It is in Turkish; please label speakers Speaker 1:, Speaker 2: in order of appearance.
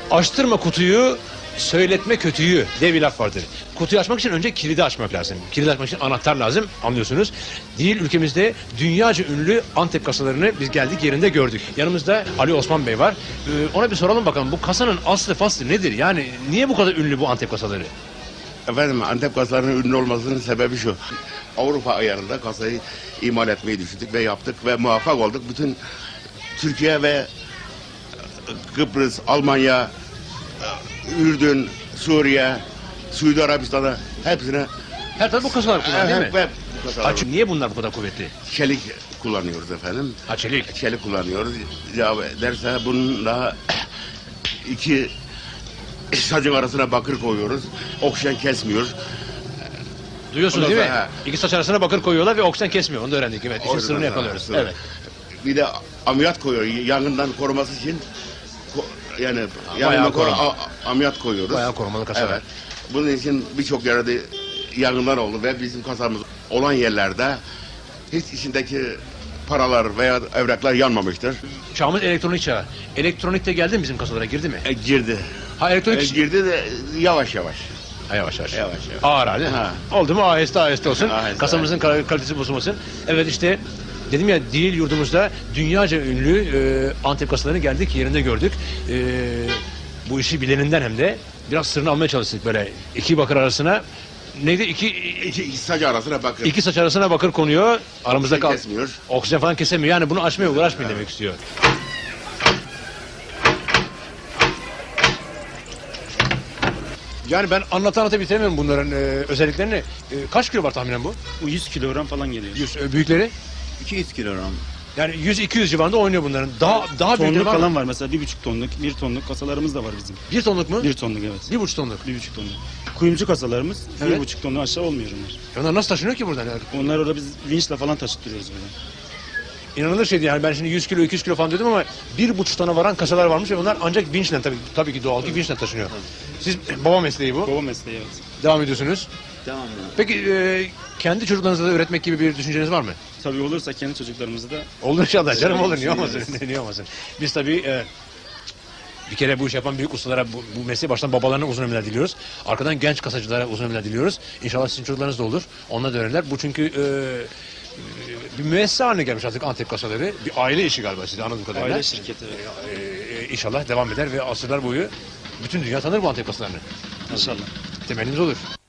Speaker 1: Açtırma kutuyu, söyletme kötüyü diye bir laf vardır. Kutuyu açmak için önce kilidi açmak lazım. Kilidi açmak için anahtar lazım, anlıyorsunuz. Değil, ülkemizde dünyaca ünlü Antep kasalarını biz geldik yerinde gördük. Yanımızda Ali Osman Bey var. Ona bir soralım bakalım, bu kasanın aslı faslı nedir? Yani niye bu kadar ünlü bu Antep kasaları?
Speaker 2: Efendim, Antep kasalarının ünlü olmasının sebebi şu. Avrupa ayarında kasayı imal etmeyi düşündük ve yaptık ve muvaffak olduk. Bütün Türkiye ve Kıbrıs, Almanya, Ürdün, Suriye, Suudi Arabistan'a hepsine
Speaker 1: Her taraf bu kasalar kullanıyor değil mi?
Speaker 2: ve bu kasalar.
Speaker 1: Ha, çünkü niye bunlar bu kadar kuvvetli?
Speaker 2: Çelik kullanıyoruz efendim.
Speaker 1: Ha, çelik.
Speaker 2: Çelik kullanıyoruz. Ya derse bunun daha iki sacın arasına bakır koyuyoruz. Oksijen kesmiyor.
Speaker 1: Duyuyorsunuz
Speaker 2: Ondan
Speaker 1: değil mi?
Speaker 2: sonra,
Speaker 1: İki saç arasına bakır koyuyorlar ve oksijen kesmiyor. Onu da öğrendik. Evet, işin
Speaker 2: Oradan
Speaker 1: sırrını
Speaker 2: sonra,
Speaker 1: yakalıyoruz.
Speaker 2: sonra.
Speaker 1: Evet.
Speaker 2: Bir de amiyat koyuyor. Yangından koruması için yani
Speaker 1: bayağı
Speaker 2: yanına
Speaker 1: koruma.
Speaker 2: amiyat koyuyoruz.
Speaker 1: Bayağı korumalı kasalar.
Speaker 2: Evet. Bunun için birçok yerde yangınlar oldu ve bizim kasamız olan yerlerde hiç içindeki paralar veya evraklar yanmamıştır.
Speaker 1: Çağımız elektronik çağı. Elektronik de geldi mi bizim kasalara, girdi mi?
Speaker 2: Girdi.
Speaker 1: Ha, elektronik...
Speaker 2: Girdi de yavaş yavaş.
Speaker 1: Ha, yavaş yavaş.
Speaker 2: Yavaş yavaş.
Speaker 1: Ağır hali.
Speaker 2: Ha.
Speaker 1: Oldu mu aheste aheste olsun.
Speaker 2: Aheste,
Speaker 1: Kasamızın kalitesi bozulmasın. Evet, işte dedim ya, değil yurdumuzda dünyaca ünlü Antep kasalarını geldik yerinde gördük. Bu işi bileninden hem de biraz sırrını almaya çalıştık böyle. İki bakır arasına neydi?
Speaker 2: İki saç arasına bakın.
Speaker 1: İki saç arasına bakır konuyor. Aramızda kal.
Speaker 2: Kesmiyor.
Speaker 1: Oksijen falan kesemiyor. Yani bunu açmaya uğraşmayın demek istiyor. Yani ben anlata bitiremiyorum bunların özelliklerini. Kaç kilo var tahminen bu?
Speaker 3: Bu 100 kilogram falan geliyor.
Speaker 1: 100, büyükleri?
Speaker 3: 200 kilogram.
Speaker 1: Yani 100-200 civarında oynuyor bunların. Daha büyükleri
Speaker 3: Tonluk
Speaker 1: var mı?
Speaker 3: falan var mesela 1,5 tonluk, 1 tonluk kasalarımız da var bizim.
Speaker 1: 1 tonluk mu?
Speaker 3: 1 tonluk evet.
Speaker 1: 1,5 tonluk.
Speaker 3: 1,5 tonluk. Kuyumcu kasalarımız
Speaker 1: Evet.
Speaker 3: 1,5 tonluk aşağı olmuyor onlar.
Speaker 1: Onlar nasıl taşınıyor ki buradan? Yani?
Speaker 3: Onlar orada biz vinçle falan taşıtıyoruz buradan.
Speaker 1: İnanılır şey değil. Yani ben şimdi 100 kilo 200 kilo falan dedim ama 1,5 tona varan kasalar varmış ve bunlar ancak vinçle, tabii ki doğal ki vinçle taşınıyor. Siz baba mesleği bu.
Speaker 3: Baba mesleği evet.
Speaker 1: Devam ediyorsunuz.
Speaker 3: Tamam.
Speaker 1: Peki kendi çocuklarınıza da üretmek gibi bir düşünceniz var mı?
Speaker 3: Tabii olursa kendi çocuklarımızı da
Speaker 1: Olur inşallah canım, olur, niye olmasın?
Speaker 3: düşünüyoruz.
Speaker 1: Niye olmasın? Biz tabii bir kere bu iş yapan büyük ustalara, bu mesleği baştan babalarına uzun ömürler diliyoruz. Arkadan genç kasacılara uzun ömürler diliyoruz. İnşallah sizin çocuklarınız da olur. Onlar da öğrenirler. Bu çünkü bir müessese haline gelmiş artık Antep kasaları. Bir aile işi galiba, size anladığım kadarıyla.
Speaker 3: aile şirketi.
Speaker 1: İnşallah devam eder ve asırlar boyu bütün dünya tanır bu Antep kasalarını.
Speaker 3: İnşallah.
Speaker 1: Temennimiz olur.